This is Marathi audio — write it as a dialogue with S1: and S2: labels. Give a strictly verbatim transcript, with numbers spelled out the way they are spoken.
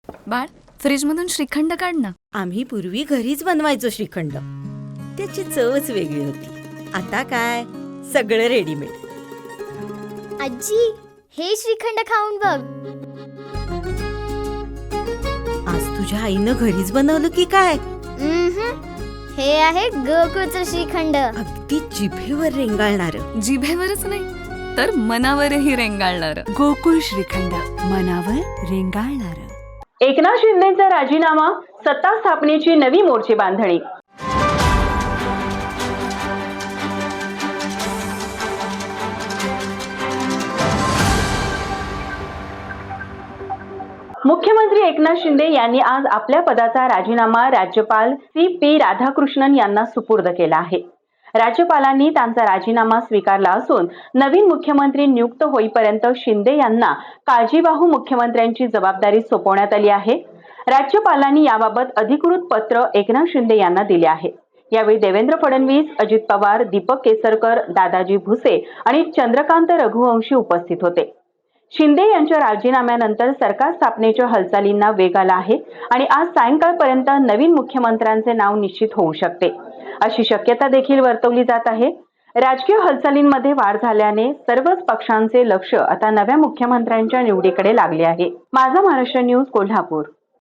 S1: बाळ, फ्रीजमधून श्रीखंड काढ ना.
S2: आम्ही पूर्वी घरीच बनवायचो श्रीखंड. त्याची चवच वेगळी होती. आता काय सगळं रेडीमेड.
S3: आजी, हे श्रीखंड खाऊन बघ.
S2: आज तुझ्या आईनं घरीच बनवलं की काय?
S3: उम्हम. हे आहे गोकुळचं श्रीखंड.
S2: अगदी जिभेवर रेंगाळणार.
S1: जिभेवरच नाही तर मनावरही रेंगाळणार.
S4: गोकुळ श्रीखंड, मनावर रेंगाळणार.
S5: एकनाथ शिंदेचा राजीनामा, सत्ता स्थापनेची नवी मोर्चे बांधणी. मुख्यमंत्री एकनाथ शिंदे यांनी आज आपल्या पदाचा राजीनामा राज्यपाल सी पी राधाकृष्णन यांना सुपूर्द केला आहे. राज्यपालांनी त्यांचा राजीनामा स्वीकारला असून नवीन मुख्यमंत्री नियुक्त होईपर्यंत शिंदे यांना काळजीवाहू मुख्यमंत्र्यांची जबाबदारी सोपवण्यात आली आहे. राज्यपालांनी याबाबत अधिकृत पत्र एकनाथ शिंदे यांना दिले आहे. यावेळी देवेंद्र फडणवीस, अजित पवार, दीपक केसरकर, दादाजी भुसे आणि चंद्रकांत रघुवंशी उपस्थित होते. शिंदे यांच्या राजीनाम्यानंतर सरकार स्थापनेच्या हालचालींना वेग आला आहे आणि आज सायंकाळपर्यंत नवीन मुख्यमंत्र्यांचे नाव निश्चित होऊ शकते, अशी शक्यता देखील वर्तवली जात आहे. राजकीय हालचालींमध्ये वाढ झाल्याने सर्वच पक्षांचे लक्ष आता नव्या मुख्यमंत्र्यांच्या निवडीकडे लागले आहे. माझा महाराष्ट्र न्यूज, कोल्हापूर.